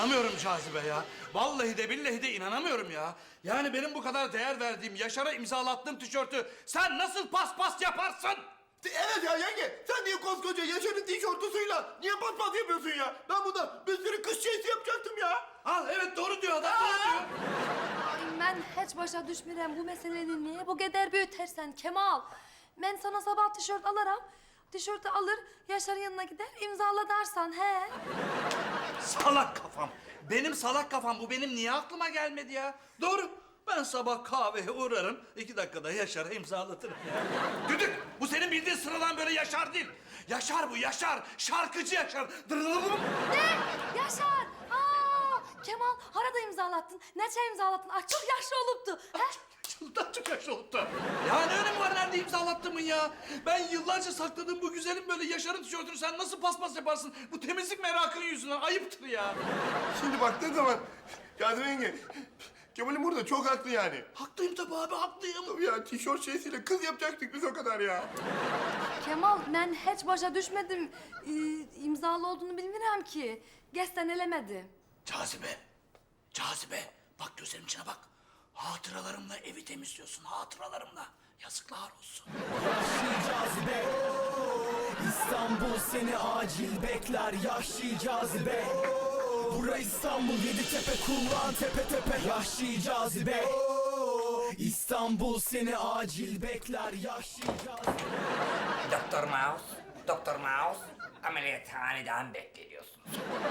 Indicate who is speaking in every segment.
Speaker 1: İnanamıyorum Cazibe ya. Vallahi de billahi de inanamıyorum ya. Yani benim bu kadar değer verdiğim, Yaşar'a imzalattığım tişörtü sen nasıl paspas yaparsın?
Speaker 2: Evet ya yenge, sen niye koskoca Yaşar'ın tişörtüsüyle niye paspas yapıyorsun ya? Ben bunda bir sürü kış şeysi yapacaktım ya.
Speaker 1: Al evet doğru diyor adam, doğru diyor.
Speaker 3: Ay ben hiç başa düşmürəm bu meselenin niye bu kadar büyütersen Kemal. Ben sana sabah tişört alırım. Tişörtü alır, Yaşar'ın yanına gider, imzala dersen he.
Speaker 1: Salak kafam. Benim salak kafam bu, benim niye aklıma gelmedi ya? Doğru. Ben sabah kahveye uğrarım, 2 dakikada Yaşar'a imzalatırım ya. Düdük, bu senin bildiğin sıradan böyle Yaşar değil. Yaşar bu, Yaşar. Şarkıcı Yaşar. Dırırırırım.
Speaker 3: Ne? Yaşar! Aa, Kemal, harada imzalattın. Neçe imzalattın? Ay çok yaşlı oluptu. He?
Speaker 1: Daha çok yaşlı olup da. Ya ne önemi var nerede imzalattığımın ya? Ben yıllarca sakladığım bu güzelim böyle Yaşar'ın tişörtünü sen nasıl paspas yaparsın? Bu temizlik merakının yüzünden ayıptır ya.
Speaker 2: Şimdi baktığın zaman Cazibe yenge, Kemal'im burada çok haklı yani.
Speaker 1: Haklıyım tabii abi, haklıyım.
Speaker 2: Tabii ya tişört şeysiyle kız yapacaktık biz o kadar ya.
Speaker 3: Kemal, ben hiç başa düşmedim. İmzalı olduğunu bilmirəm ki. Gesten elemedi.
Speaker 1: Cazibe, Cazibe. Bak gözlerimin içine bak. Hatıralarımla evi temizliyorsun, hatıralarımla. Yazıklar olsun.
Speaker 4: Cazibe, İstanbul seni acil bekler. Yahşi cazibe, bura İstanbul, Yeditepe, kullan tepe tepe. Yahşi cazibe, İstanbul seni acil bekler. Yahşi cazibe.
Speaker 5: Doktor Mouse, Doktor Mouse, ameliyathaneden bekleniyorsunuz.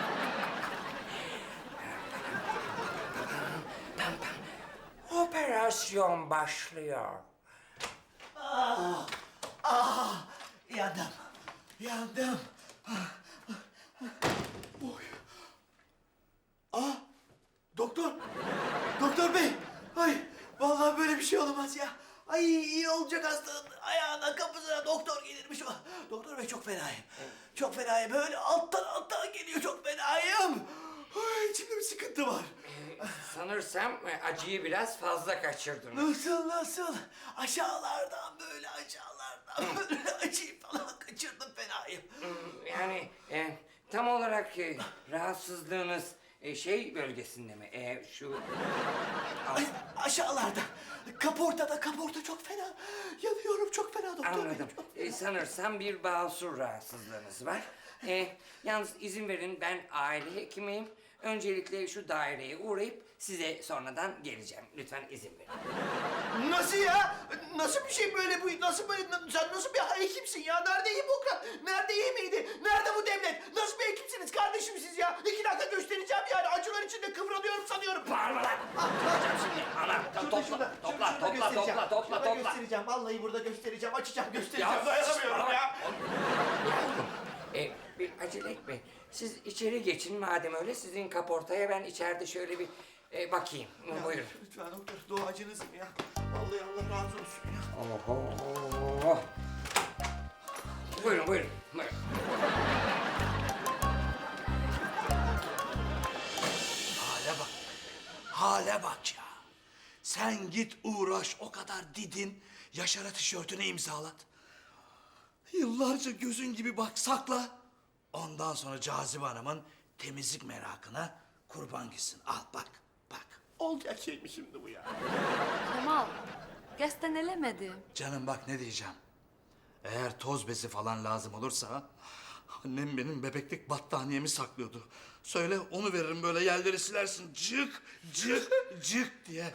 Speaker 5: Operasyon başlıyor.
Speaker 2: Yandım, yandım. Oy. Doktor, doktor bey. Ay, vallahi böyle bir şey olamaz ya. Ay iyi olacak hastanın ayağına kapısına doktor gelirmiş. Doktor bey çok fenayım. Çok fenayım. Böyle alttan geliyor, çok fenayım. Ay, içimde bir sıkıntı var.
Speaker 5: Sanırsam acıyı biraz fazla kaçırdınız.
Speaker 2: Nasıl? Aşağılardan böyle acıyı falan kaçırdım, fenayım.
Speaker 5: Yani tam olarak rahatsızlığınız şey bölgesinde mi? Şu...
Speaker 2: Ay, aşağılarda. Kaporta çok fena. Yanıyorum çok fena doktor bey.
Speaker 5: Anladım. Sanırsam bir basur rahatsızlığınız var. Yalnız izin verin, ben aile hekimiyim. Öncelikle şu daireye uğrayıp size sonradan geleceğim. Lütfen izin verin.
Speaker 2: Nasıl ya? Nasıl bir şey böyle bu? Nasıl böyle? Sen nasıl bir hekimsin ya? Nerede Hipokrat? Nerede yemeğiydi? Nerede bu devlet? Nasıl bir hekimsiniz kardeşim siz ya? 2 dakika göstereceğim yani. Acılar içinde kıvranıyorum sanıyorum.
Speaker 5: Bağırma lan! Yapacağım şimdi. Ana, topla.
Speaker 2: Göstereceğim. Vallahi burada göstereceğim. Açacağım, göstereceğim.
Speaker 5: Ya,
Speaker 2: Dayanamıyorum ya.
Speaker 5: Bir acele etme. Siz içeri geçin madem öyle. Sizin kaportaya ben içeride şöyle bir bakayım. Buyurun.
Speaker 2: Lütfen doktor, duacınızım ya. Vallahi Allah razı olsun ya.
Speaker 5: Oho. Buyurun.
Speaker 1: Hale bak ya. Sen git uğraş, o kadar didin, Yaşar'a tişörtünü imzalat. Yıllarca gözün gibi bak, sakla. Ondan sonra Cazibe Hanım'ın temizlik merakına kurban gitsin. Al bak.
Speaker 2: Olacak şey mi şimdi bu ya?
Speaker 3: Kemal, gesten elemedi.
Speaker 1: Canım bak ne diyeceğim. Eğer toz bezi falan lazım olursa... Annem benim bebeklik battaniyemi saklıyordu. Söyle onu veririm, böyle yerleri silersin. Cık diye.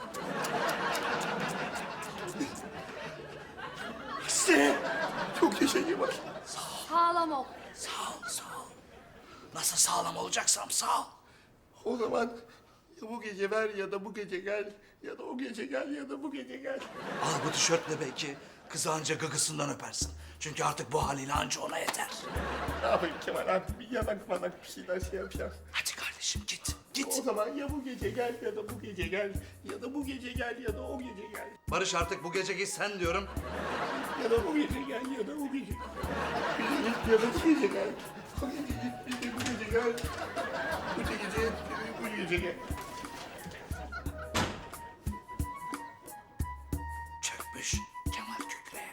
Speaker 2: İşte. Çok yaşayayım bak.
Speaker 3: Sağlam ol.
Speaker 1: Sağ ol. Nasıl sağlam olacaksam sağ ol.
Speaker 2: O zaman ya bu gece ver ya da bu gece gel. Ya da o gece gel ya da bu gece gel.
Speaker 1: Al bu tişörtle belki kızı anca gıgısından öpersin. Çünkü artık bu haliyle anca ona yeter.
Speaker 2: Ne yapayım Kemal, artık bir yanak bir şeyler şey yapacağım.
Speaker 1: Hadi kardeşim git.
Speaker 2: O zaman ya bu gece gel ya da bu gece gel. Ya da bu gece gel ya da o gece gel.
Speaker 1: Barış artık bu gece git sen diyorum.
Speaker 2: Ya da bu gece gel ya da o gece gel. Ya da bu gece gel. Bu gece gel. Bu gece gel.
Speaker 1: Çökmüş Kemal Kükre.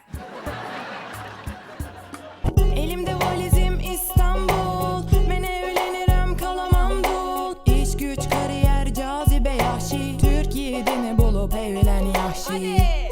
Speaker 6: Elimde valizim İstanbul, ben evlenirim kalamam dul. İş yiğidini bulup evlen Yahşi.